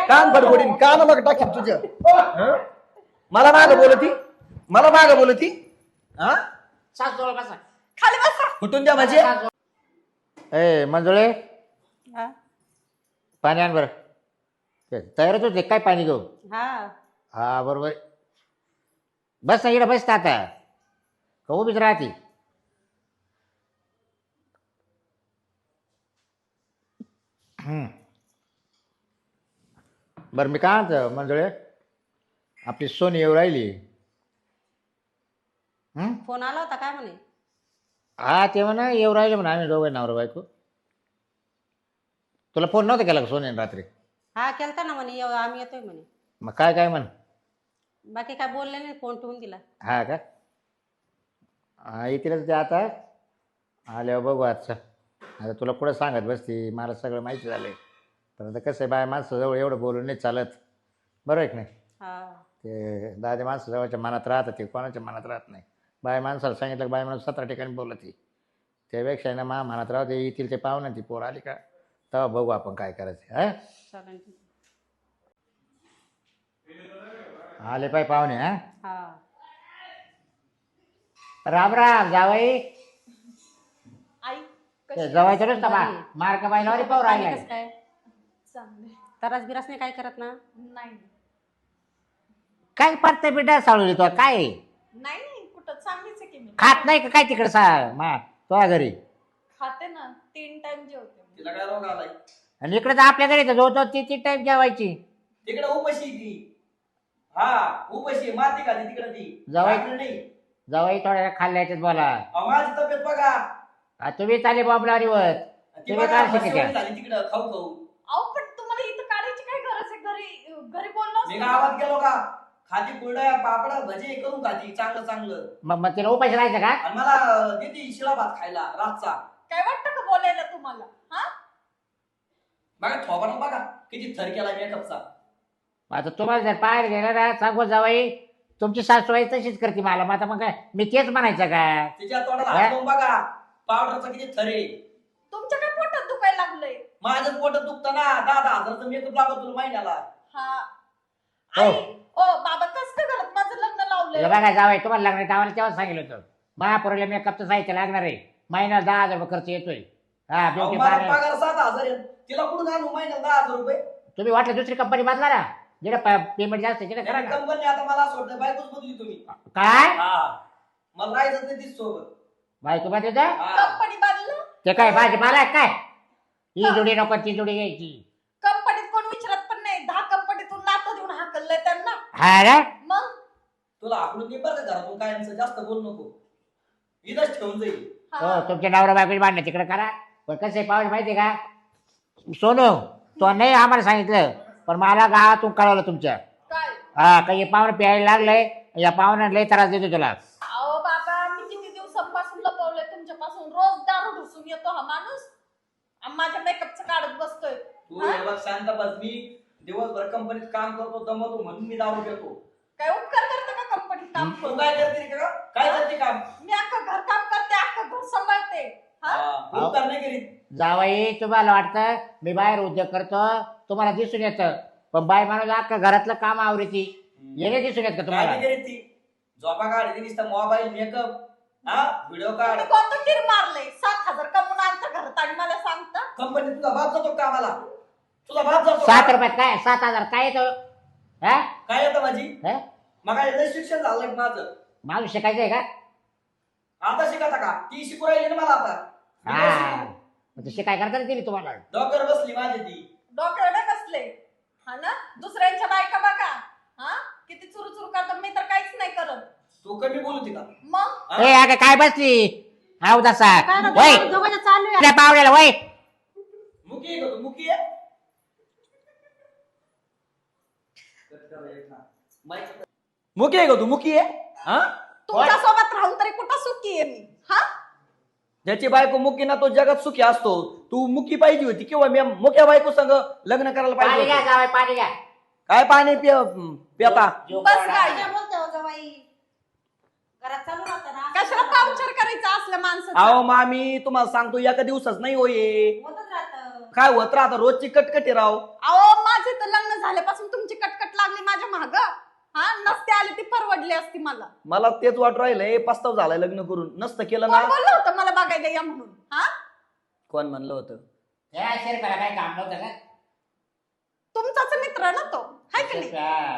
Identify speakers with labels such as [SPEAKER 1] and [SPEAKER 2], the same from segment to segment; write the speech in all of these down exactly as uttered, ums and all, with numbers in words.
[SPEAKER 1] कान बडबडीन कान मग टाकीन तुझ्या हं? मला माग बोलती मला माग बोलती हा
[SPEAKER 2] सास जवळ बसा.
[SPEAKER 3] खाली बसा.
[SPEAKER 1] कुठून द्या म्हणजे
[SPEAKER 2] ए मंजुळे
[SPEAKER 3] हा
[SPEAKER 2] पाणी आण बरं. ते तयारच होते काय पाणी घेऊ.
[SPEAKER 3] हा
[SPEAKER 2] हा बरोबर बस ना इकडे बसता आता का उभीच राहते. हम्म. बरं मी काय म्हणतो मंजुळे आपली सोनी येऊ राहिली. हम्म?
[SPEAKER 3] फोन आला होता काय म्हणे.
[SPEAKER 2] हा ते म्हणा येऊ राहिले म्हणा आम्ही दोघं नवरा बायको. तुला फोन नव्हता केला का सोनीने रात्री.
[SPEAKER 3] हा केलता ना म्हणे येऊ, आम्ही येतोय म्हणे.
[SPEAKER 2] मग काय काय म्हण.
[SPEAKER 3] बाकी काय बोलले नाही फोन ठेवून दिला.
[SPEAKER 2] हा का हा येतीलच ते आता आल्यावर बघू आजचं. आता तुला पुढं सांगत बसती मला सगळं माहिती झालं आहे. पण आता कसं आहे बाय माणसाजवळ एवढं बोलून नाही चालत. बरोबर आहे की नाही.
[SPEAKER 3] हा
[SPEAKER 2] ते दादा माणसाजवळच्या मनात राहतं ते कोणाच्या मनात राहत नाही. बाय माणसाला सांगितलं बाय माणूस सतरा ठिकाणी बोलत ती त्यापेक्षा ना मा मनात राहू ते येतील ते पाहू ना ती पोर आली का तेव्हा बघू आपण काय करायचं. हा
[SPEAKER 3] चालेल.
[SPEAKER 2] आले पाय पाहुणे. हा
[SPEAKER 3] हा
[SPEAKER 2] राम राम जावई.
[SPEAKER 3] आई
[SPEAKER 2] जवायचं नसतं बा मार्क बायलावर पाहू राहिला.
[SPEAKER 3] कसं काय तरास बिरास नाही काय करत ना.
[SPEAKER 4] नाही
[SPEAKER 2] काय पडतं बिड्डा साळू तो काय
[SPEAKER 4] नाही नाही कुठं चांगलीच आहे की मी
[SPEAKER 2] खात नाही का काय तिकडे सा मा तो घरी
[SPEAKER 4] खाते ना तीन टाइम जेवते मी.
[SPEAKER 1] तिला काय रोग आलाय
[SPEAKER 2] आणि इकडे तर आपल्या घरी तर जो ती ती टाईप जेवायची.
[SPEAKER 1] तिकडे उपाशी ती हा उपाशी माती का तिकडे ती
[SPEAKER 2] जावई.
[SPEAKER 1] भाकरी नाही
[SPEAKER 2] जवाई थोड्या खाल्ल्याच्यात बोला.
[SPEAKER 1] अहो, माझी तब्येत बघा
[SPEAKER 2] आ, तुम्ही चाले बॉबलारीवर
[SPEAKER 1] ती
[SPEAKER 2] तुम्ही
[SPEAKER 1] बघा
[SPEAKER 2] काय
[SPEAKER 1] म्हशीवाली
[SPEAKER 2] शिकायच्या
[SPEAKER 1] झाली तिकडं खाऊ खाऊ.
[SPEAKER 4] अहो पण तुम्हाला इथं काढायची काय गरज आहे घरी घरी बोललो
[SPEAKER 1] मी
[SPEAKER 4] असतो
[SPEAKER 1] गावात
[SPEAKER 4] ना.
[SPEAKER 1] गेलो का खाती कुरड्या पापड भजे करून खाती चांगलं चांगलं
[SPEAKER 2] मग मग तिला उपाशी राहायचं का.
[SPEAKER 1] आणि मला देते शिळा भात खायला रातचा.
[SPEAKER 4] काय वाटतं का बोलायला तुम्हाला हा
[SPEAKER 1] बघा थोबाडून बघा किती थर केला मेकअपचा.
[SPEAKER 2] आता तुम्हाला जर पाहायला गेलं ना सांगू जावाई तुमची सासूबाई तशीच करते मला. मग आता मग काय मी तेच म्हणायचं का.
[SPEAKER 1] तिच्या तोंडाला हात लावून बघा पावडरचा किती थर आहे.
[SPEAKER 4] तुमच्या काय पोटात दुखायला लागलंय.
[SPEAKER 1] माझं पोट दुखतं ना दहा दहा हजारचं मेकअप लागत तुला महिन्याला.
[SPEAKER 4] हा
[SPEAKER 2] हो.
[SPEAKER 4] आई ओ बाबा कसं काय घरात माझं लग्न
[SPEAKER 2] हे
[SPEAKER 4] लावलंय.
[SPEAKER 2] बघा जावाई तुम्हाला लागणार आम्हाला तेव्हा सांगितलं होतं महापुराला मेकअपचं साहित्य लागणार आहे. महिन्याला दहा हजार रुपये खर्च येतोय. हा
[SPEAKER 1] अहो,
[SPEAKER 2] ब्युटी
[SPEAKER 1] माझा
[SPEAKER 2] पार्लर
[SPEAKER 1] पगार सात हजार आहे. तिला कुठून आणू महिन्याला दहा हजार रुपये.
[SPEAKER 2] तुम्ही वाटलं दुसरी कंपनी बदला ना जिकडे पेमेंट जास्त आहे तिकडे करा ना.
[SPEAKER 1] कंपनी आता मला असं वाटतं बायकोच बदली तुम्ही.
[SPEAKER 2] काय
[SPEAKER 1] हा मला राहायचं नाही तीच सोबत.
[SPEAKER 2] बायको बाय तुझा
[SPEAKER 1] हा.
[SPEAKER 4] कंपनी बदल
[SPEAKER 2] ते काय भाजीपाला आहे काय ही जोडी नको ती जोडी घ्यायची.
[SPEAKER 4] कंपनीत कोण विचारत पण नाही. दहा कंपनीतून नातं देऊन हाकललंय त्यांना.
[SPEAKER 2] हा रे
[SPEAKER 4] मग
[SPEAKER 1] तुला आकडून नाही बरं का घरातून कायमचं जास्त बोल नको इथंच ठेवून जाईल.
[SPEAKER 2] हो
[SPEAKER 4] हा.
[SPEAKER 2] तुमच्या नवरा बायकोची भांडणं तिकडे करा. पण कसं आहे पाहुणे माहिती आहे का सोनू तो नाही आम्हाला सांगितलं पण मला गावातून कळवलं तुमच्या.
[SPEAKER 4] काय
[SPEAKER 2] हा काही पाहुणे प्यायला लागलंय या पाहुण्याला लय त्रास देतो तुला.
[SPEAKER 4] अहो बाबा मी किती दिवसांपासून लपवलंय तुमच्यापासून. रोज दारू ढुसून येतो हा माणूस आणि माझ्या मेकअपचं काढत बसतोय.
[SPEAKER 1] तू हे बघ शांत बस. मी दिवसभर कंपनीत काम करतो दमवतो म्हणून मी दारू घेतो.
[SPEAKER 4] काय उपकार करते का कंपनीत काम
[SPEAKER 1] तू
[SPEAKER 4] करून.
[SPEAKER 1] काय करते का काय करते काम.
[SPEAKER 4] मी अख्खं घर काम करते अख्खं घर सांभाळते. हा
[SPEAKER 1] हा, उपकार नाही करीत.
[SPEAKER 2] जावाई तुम्हाला वाटतं मी बाहेर उद्योग करतो तुम्हाला दिसून येतं पण बाय माणूस अख्खा घरातलं काम आवडीची येणे दिसून येत का
[SPEAKER 1] काय
[SPEAKER 2] तुम्हाला.
[SPEAKER 1] नाही करीत ती. झोपा काढ नुसतं मोबाईल मेकअप हा व्हिडिओ काढ.
[SPEAKER 4] तुम्ही कोणतं कीर मारलंय. सात हजार कमवून आणता घरात आणि मला सांगता.
[SPEAKER 1] कंपनीत तुझा बाप जातो कामाला. तुझा बाप जातो
[SPEAKER 2] सात
[SPEAKER 1] का?
[SPEAKER 2] रुपयात काय सात हजार काय येतं हा
[SPEAKER 1] काय येतं माझी
[SPEAKER 2] हा?
[SPEAKER 1] मग काय शिक्षण झालं माझं.
[SPEAKER 2] माणूस शिकायचंय का.
[SPEAKER 1] आता शिकता का ती शिकू राहिली ना मला आता. मी काय
[SPEAKER 2] हा
[SPEAKER 1] शिकू?
[SPEAKER 2] मग तशी काय करता दिली तुम्हाला.
[SPEAKER 1] डॉक्टर बसली माझी ती.
[SPEAKER 4] डोक्यावर नाही बसले. हा ना दुसऱ्यांच्या बायका बघा. हा किती चुरू चुरू करतात. मी तर काहीच नाही करत.
[SPEAKER 1] तू कमी बोलती का.
[SPEAKER 4] मग
[SPEAKER 1] हा?
[SPEAKER 2] ए अगं काय बसली हा उदासा
[SPEAKER 3] काय ना
[SPEAKER 2] वय
[SPEAKER 3] दोघांचं चालू आहे.
[SPEAKER 2] त्या पावड्याला वय
[SPEAKER 1] मुकी आहे का तू मुकी आहे. मुकी आहे का तू मुकी आहे हा.
[SPEAKER 4] तुमच्या सोबत राहून तरी कुठं सुखी आहे मी. हा
[SPEAKER 1] ज्याची बायको मुकी ना तो जगात सुखी असतो. तू मुकी पाहिजे होती किंवा मी मुक्या बायको संग लग्न करायला
[SPEAKER 2] पाणी
[SPEAKER 1] पाहिजे
[SPEAKER 2] घ्या
[SPEAKER 1] होतं.
[SPEAKER 2] जावई पाणी घ्या.
[SPEAKER 1] काय पाणी पिय पिता.
[SPEAKER 4] बस गाडी.
[SPEAKER 3] काय बोलते हो जावाई घरात चालू राहतं ना.
[SPEAKER 4] कशाला पावचर करायचं असल्या माणसाचं.
[SPEAKER 1] अहो मामी तुम्हाला सांगतो एका दिवसाच नाही होये
[SPEAKER 3] होतच राहतं.
[SPEAKER 1] काय होत राहता रोजची कटकटी राव.
[SPEAKER 4] अहो माझे तर लग्न झाल्यापासून तुमची कटकट लागली माझ्या माग. हा नसते आले ती परवडली असती मला.
[SPEAKER 1] मला तेच वाट राहिलंय, पस्ताव झालाय लग्न करून. नसतं केलं
[SPEAKER 4] कोण
[SPEAKER 1] ना.
[SPEAKER 4] बोललं होतं मला बघायला या म्हणून? हा
[SPEAKER 1] कोण म्हणलं होतं?
[SPEAKER 2] त्या शेरपाला काय काम नव्हतं का?
[SPEAKER 4] तुमचाच मित्र ना तो, हाय की नाही?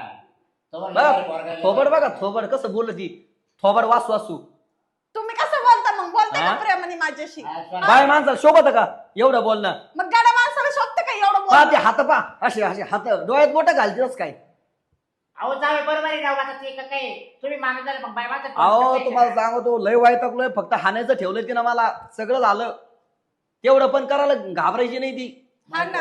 [SPEAKER 1] बघा थोबड, बघा थोबड कसं बोलत ती. थोबड वासू वासू.
[SPEAKER 4] तुम्ही कसं बोलता मग? बोलता
[SPEAKER 1] हा?
[SPEAKER 4] का प्रेमाने माझ्याशी?
[SPEAKER 1] बाय माणसाला शोभत का एवढं बोलणं?
[SPEAKER 4] मग गाड्या माणसाला शोभतं का एवढं
[SPEAKER 1] पा ते
[SPEAKER 4] बोलणं?
[SPEAKER 1] हात पा असे असे हात डोळ्यात मोठं घालतेच काय.
[SPEAKER 2] अहो जावे बरोबर आहे राव. आता ते का काय तुम्ही माणूस झाले मग बाय माझं
[SPEAKER 1] अहो तुम्हाला सांगतो लय वाईटकलोय. फक्त हाणायचं ठेवलं तिनं मला. सगळं झालं तेवढं पण करायला घाबरायची नाही ती.
[SPEAKER 4] हा ना.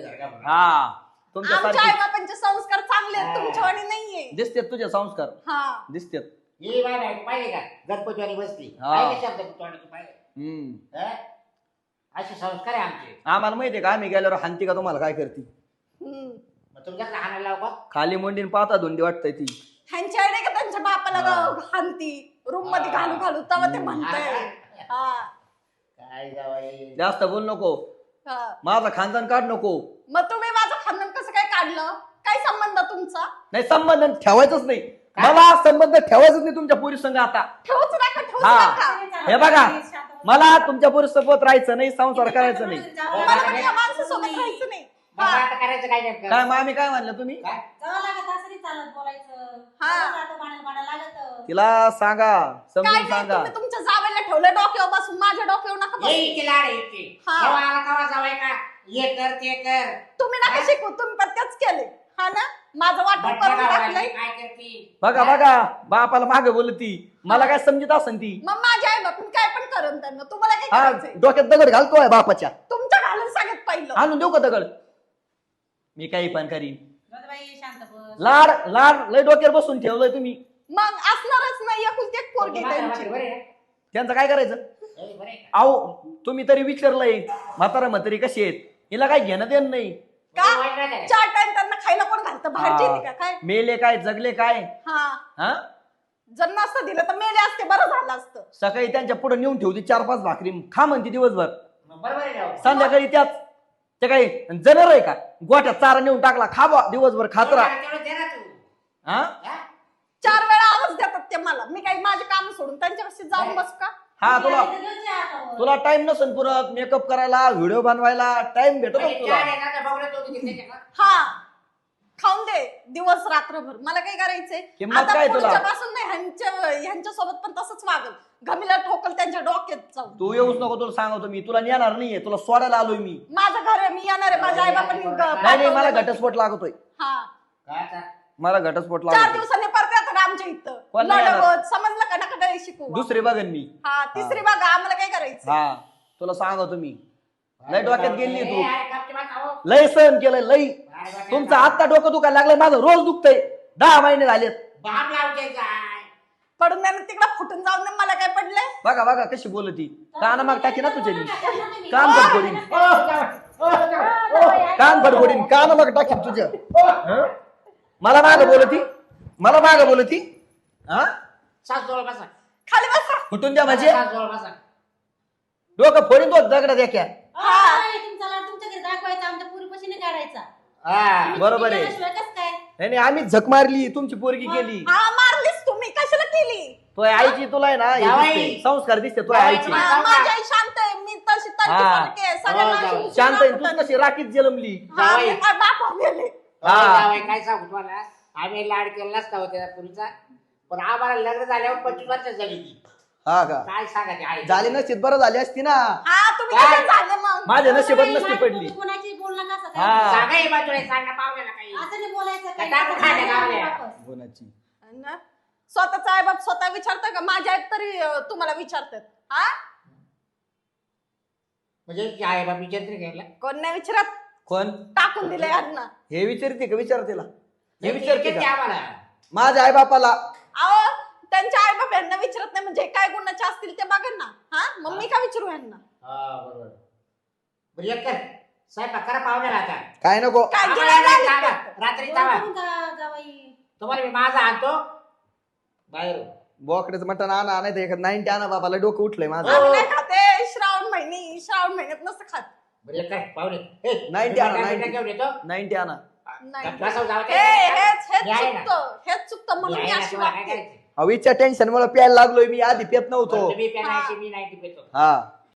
[SPEAKER 1] हा तुमच्या
[SPEAKER 4] आमच्या
[SPEAKER 1] सारखी
[SPEAKER 4] आई बाबांचे संस्कार चांगले आहेत, तुमच्यावानी नाहीये.
[SPEAKER 1] दिसतेत तुझे संस्कार.
[SPEAKER 4] हा
[SPEAKER 1] दिसतेत.
[SPEAKER 2] ही बाय बाय पाहिले का गणपतीवारी बसली.
[SPEAKER 1] हा.
[SPEAKER 2] पाहिले शब्द तोंडात तू पाहिले.
[SPEAKER 1] हम्म
[SPEAKER 2] हं? असे संस्कार आहे आमचे.
[SPEAKER 1] आम्हाला माहितीये का आम्ही गेल्यावर हानती का तुम्हाला काय करते?
[SPEAKER 4] हम्म.
[SPEAKER 2] मग तुमच्याकडे हाणायला लाव का?
[SPEAKER 1] खाली मोंडीन पाहता धुंडी वाटतंय ती.
[SPEAKER 4] ह्यांची आई नाही का त्यांच्या बापाला
[SPEAKER 1] हा.
[SPEAKER 4] हानती रूम मध्ये
[SPEAKER 2] हा.
[SPEAKER 4] घालू घालू तेव्हा ते
[SPEAKER 1] हम्म.
[SPEAKER 4] म्हणतंय. हा
[SPEAKER 2] काय जावाई
[SPEAKER 1] जास्त बोल नको.
[SPEAKER 4] हा.
[SPEAKER 1] माझा खानदान काढ नको.
[SPEAKER 4] मग तुम्ही माझं खानदान कसं काय काढलं? काय संबंध तुमचा?
[SPEAKER 1] नाही संबंध ठेवायचंच नाही. मला संबंध ठेवायचंच नाही तुमच्या पोरी संग आता.
[SPEAKER 4] ठेवूच नका ठेवूच
[SPEAKER 1] हा.
[SPEAKER 4] नका.
[SPEAKER 1] हे बघा मला तुमच्या पोरी सोबत राहायचं नाही, संसार करायचं नाही.
[SPEAKER 4] मला पण या माणसासोबत राहायचं नाही.
[SPEAKER 2] मग
[SPEAKER 4] हा.
[SPEAKER 2] आता करायचं काय नेमकं?
[SPEAKER 1] काय मग आम्ही काय म्हणलं तुम्ही?
[SPEAKER 2] काय?
[SPEAKER 3] जावं लागत असं नाही चालत बोलायचं.
[SPEAKER 4] हा.
[SPEAKER 3] आता भांडायला भांडायला लागत.
[SPEAKER 1] तिला सांगा
[SPEAKER 4] काय
[SPEAKER 1] समजून
[SPEAKER 4] नाही
[SPEAKER 1] सांगा.
[SPEAKER 4] तुम्ही तुमच्या जावेला ठेवलं डोक्यावर बसून, माझ्या डोक्यावर नका
[SPEAKER 2] ये
[SPEAKER 4] बसू.
[SPEAKER 2] इथे लाड आहे इथे.
[SPEAKER 4] हा.
[SPEAKER 2] जेव्हा आला तेव्हा जावाई का ये कर ते कर.
[SPEAKER 4] तुम्ही नका
[SPEAKER 2] हा?
[SPEAKER 4] शिकू, तुम्ही पण तेच केले. हा ना माझं वाटप
[SPEAKER 2] बटणं
[SPEAKER 4] करून
[SPEAKER 2] लावायला
[SPEAKER 4] टाकलंय.
[SPEAKER 2] काय करती?
[SPEAKER 1] बघा
[SPEAKER 2] हा?
[SPEAKER 1] बघा बापाला मागे बोलती. मला काय समजत असन ती.
[SPEAKER 4] मग माझ्या आई बापून काय पण करून त्यांना तुम्हाला काय
[SPEAKER 1] हा
[SPEAKER 4] करायचंय?
[SPEAKER 1] डोक्यात दगड घालतोय बापाच्या.
[SPEAKER 4] तुमच्या घालून सांगत पहिलं.
[SPEAKER 1] आणून देऊ का दगड? मी काही पण करीन.
[SPEAKER 3] बाई शांत बस.
[SPEAKER 1] लाड लाड लय डोक्यावर बसून ठेवलंय तुम्ही.
[SPEAKER 4] मग असणारच नाही, एकुलती एक पोरगी
[SPEAKER 2] म्हातारं
[SPEAKER 4] त्यांची.
[SPEAKER 2] म्हातारं बरं आहे?
[SPEAKER 1] त्यांचं काय करायचं?
[SPEAKER 2] ए, बरं आहे का?
[SPEAKER 1] अहो तुम्ही तरी विचारलंय म्हातारा म्हातारी कशी आहेत? हिला काय घेणं देणं नाही.
[SPEAKER 4] का?
[SPEAKER 2] म्हणजे वाईट नाही झालं.
[SPEAKER 4] चार टाइम त्यांना खायला कोण घालतं? बाहेरची येते का काय?
[SPEAKER 1] मेले काय जगले काय?
[SPEAKER 4] हा
[SPEAKER 1] हा
[SPEAKER 4] जर नसतं दिलं तर मेले असते, बरं झालं असतं.
[SPEAKER 1] सकाळी त्यांच्या पुढे नेऊन ठेवते चार पाच भाकरी खा म्हणते दिवसभर.
[SPEAKER 2] मग बरोबर आहे राव.
[SPEAKER 1] संध्याकाळी त्याच ते काही जनर आहे का? गोट्यात चारा नेऊन टाकला खा बा दिवसभर खात राहा.
[SPEAKER 2] तेवढं दे ना तू.
[SPEAKER 1] हा
[SPEAKER 2] हा?
[SPEAKER 4] चार वेळा आवाज देतात ते मला. मी काही माझे काम सोडून त्यांच्यापाशी जाऊन बसू का?
[SPEAKER 1] हा तुला
[SPEAKER 3] तुला आता
[SPEAKER 1] तुला टाइम नसेल पुरत मेकअप करायला व्हिडिओ बनवायला टाइम भेटतो
[SPEAKER 2] म्हणजे
[SPEAKER 1] तुला.
[SPEAKER 2] चार एखादा बघणं तो किती त्याच्या का?
[SPEAKER 4] हा खाऊन दे दिवस रात्रभर. मला काय करायचंय
[SPEAKER 1] किंमत
[SPEAKER 4] आता
[SPEAKER 1] काय तुला?
[SPEAKER 4] पुढच्यापासून नाही ह्यांच्या ह्यांच्या सोबत पण तसंच वागल. घमीला ठोकल त्यांच्या डोक्यात जाऊन.
[SPEAKER 1] तू येऊच नको तुला सांगतो मी. तुला नेणार नाहीये, तुला सोडायला आलोय मी.
[SPEAKER 4] माझं घर आहे, मी येणार आहे. माझ्या आई बाबांनी
[SPEAKER 1] नाही नाही मला घटस्फोट लागतोय.
[SPEAKER 4] हा
[SPEAKER 2] काय आता?
[SPEAKER 1] मला घटस्फोट
[SPEAKER 4] चार
[SPEAKER 1] लागतोय.
[SPEAKER 4] दिवसांनी परत येतात आमच्या इथं.
[SPEAKER 1] कोण नाही येणार?
[SPEAKER 4] लढवत समजलं का? नका डळे शिकू.
[SPEAKER 1] दुसरे बघन मी.
[SPEAKER 4] हा तिसरी बघा आम्हाला काय करायचं?
[SPEAKER 1] हा तुला सांगतो मी. लय डोक्यात गेली
[SPEAKER 2] ए,
[SPEAKER 1] तू.
[SPEAKER 2] अरे, कापते बा, खाओ.
[SPEAKER 1] लय सहन केलंय लय.
[SPEAKER 2] अरे, बा,
[SPEAKER 1] तुमचं आत्ता डोकं दुखायला लागलंय, माझं रोज दुखतंय. दहा महिने झालेत.
[SPEAKER 2] बाप लावते काय?
[SPEAKER 4] पडून द्या तिकडे फुटून जाऊन दे. मला काय पडलंय?
[SPEAKER 1] बघा बघा कशी बोलती. कान माग टाकी ना तुझे मी. कान फडफडीन
[SPEAKER 2] ओ, जावई, ओ, जावई, ओ.
[SPEAKER 1] कान फडफडीन कान माग टाकीन तुझ्या. हं? मला माग बोलती मला माग बोलती. हा
[SPEAKER 2] सास जवळ बसा.
[SPEAKER 4] खाली बसा.
[SPEAKER 1] फुटून द्या म्हणजे
[SPEAKER 2] सास जवळ बसा.
[SPEAKER 1] डोकं फोडीन तो दगडात एका.
[SPEAKER 3] हा. तुमचा लाड तुमच्या घरी दाखवायचा, आमच्या पुरीपाशी नाही काढायचा.
[SPEAKER 2] हा.
[SPEAKER 1] बरोबर आहे.
[SPEAKER 3] केल्याशिवाय कसं काय?
[SPEAKER 1] नाही नाही आम्ही झक मारली तुमची पोरगी केली.
[SPEAKER 4] हा मारलीस तुम्ही, कशाला केली?
[SPEAKER 1] तो आईची तुला आहे ना हे
[SPEAKER 2] जावई.
[SPEAKER 1] दिसते, संस्कार दिसते तो
[SPEAKER 2] जावई,
[SPEAKER 1] आईची.
[SPEAKER 2] जावई.
[SPEAKER 4] हा, माझी आई शांत आहे. मी तशी
[SPEAKER 1] हा.
[SPEAKER 4] तर्कसारखी आहे. सगळ्यांना
[SPEAKER 2] हो,
[SPEAKER 4] अशी
[SPEAKER 2] जावई.
[SPEAKER 4] उचलून
[SPEAKER 1] शांत आहे
[SPEAKER 4] आणतात.
[SPEAKER 1] तू कशी राखीत जलमली.
[SPEAKER 4] हा,
[SPEAKER 2] जावई.
[SPEAKER 4] मी माझ्या बापावर गेले.
[SPEAKER 1] हा.
[SPEAKER 2] जावई, काय सांगू तुम्हाला आम्ही लाड केला नसता होत्या पुरीचा, पण आम्हाला लग्न झाल्यावर पंचवीस वर्ष झाली ती.
[SPEAKER 1] हा का
[SPEAKER 2] काय सांगा ते आई
[SPEAKER 1] झाली नसती बरं झाली असती ना.
[SPEAKER 4] हा तुम्ही
[SPEAKER 2] काय?
[SPEAKER 4] कसे झाले मग?
[SPEAKER 1] माझ्या नशिबात
[SPEAKER 3] नाही,
[SPEAKER 1] नसती
[SPEAKER 3] नाही,
[SPEAKER 1] पडली.
[SPEAKER 3] कोणाची बोलणं कसं काय?
[SPEAKER 1] हा.
[SPEAKER 2] सांगा हे बाजूला सांगा पाहुण्याला काही.
[SPEAKER 3] असं नाही बोलायचं
[SPEAKER 2] काय टाकू खायला गावल्या?
[SPEAKER 1] कोणाची
[SPEAKER 4] ना? स्वतःचा आई बाप स्वतः विचारतं का? माझ्या आई तरी अं, तुम्हाला विचारतात. हा
[SPEAKER 2] म्हणजे आई बाप विचारते घ्यायला
[SPEAKER 4] कोण नाही विचारत.
[SPEAKER 1] कोण
[SPEAKER 4] टाकून दिले यांना.
[SPEAKER 1] हे विचारते का? विचार तिला. हे विचारते
[SPEAKER 2] विचारते
[SPEAKER 1] का
[SPEAKER 2] आम्हाला.
[SPEAKER 1] माझ्या आई बापाला?
[SPEAKER 4] अहो त्यांच्या आई बाप यांना विचारत नाही म्हणजे काय गुणाचे असतील ते बघा ना. हा मग मी का विचारू यांना?
[SPEAKER 2] हा बरोबर. बरं एक कर स्वयंपाक करा पाहुण्याला आता.
[SPEAKER 1] काय नको.
[SPEAKER 4] काय
[SPEAKER 2] आम्हाला
[SPEAKER 4] गिळायला
[SPEAKER 2] नाही
[SPEAKER 4] आले
[SPEAKER 2] जावा.
[SPEAKER 4] का?
[SPEAKER 2] रात्री जावा.
[SPEAKER 3] बोलून जा- जावई.
[SPEAKER 2] तुम्हाला मी माझा आणतो बाहेर.
[SPEAKER 1] बोकड्याचं मटण आणा नाही तर एखाद नाईन्टी आणा बाबाला डोकं उठलंय माझं.
[SPEAKER 4] आम्ही नाही खाते. श्रावण महिने श्रावण महिन्यात नसतं खात.
[SPEAKER 2] बरं एक कर पाहुणे. ए,
[SPEAKER 1] नाईन्टी आणा
[SPEAKER 2] मिठाई-
[SPEAKER 1] नाईन्टी
[SPEAKER 2] मिठाई घेऊन येतो.
[SPEAKER 1] नाईन्टी आणा.
[SPEAKER 4] नाही.
[SPEAKER 2] बसावं जावं
[SPEAKER 4] हे
[SPEAKER 2] काय?
[SPEAKER 4] हेच हेच
[SPEAKER 2] मी आहे ना.
[SPEAKER 4] चुकतं हेच चुकतं म्हणून
[SPEAKER 2] मी
[SPEAKER 4] मी
[SPEAKER 2] आहे ना,
[SPEAKER 4] अशी
[SPEAKER 2] तुम्हाला काय
[SPEAKER 4] वागते
[SPEAKER 2] करायचं?
[SPEAKER 1] अविच्या टेन्शन मुळे प्यायला लागलोय मी आधी पेत नव्हतो
[SPEAKER 2] तुम्ही पेन आहे, मी नाही पितो.
[SPEAKER 1] हा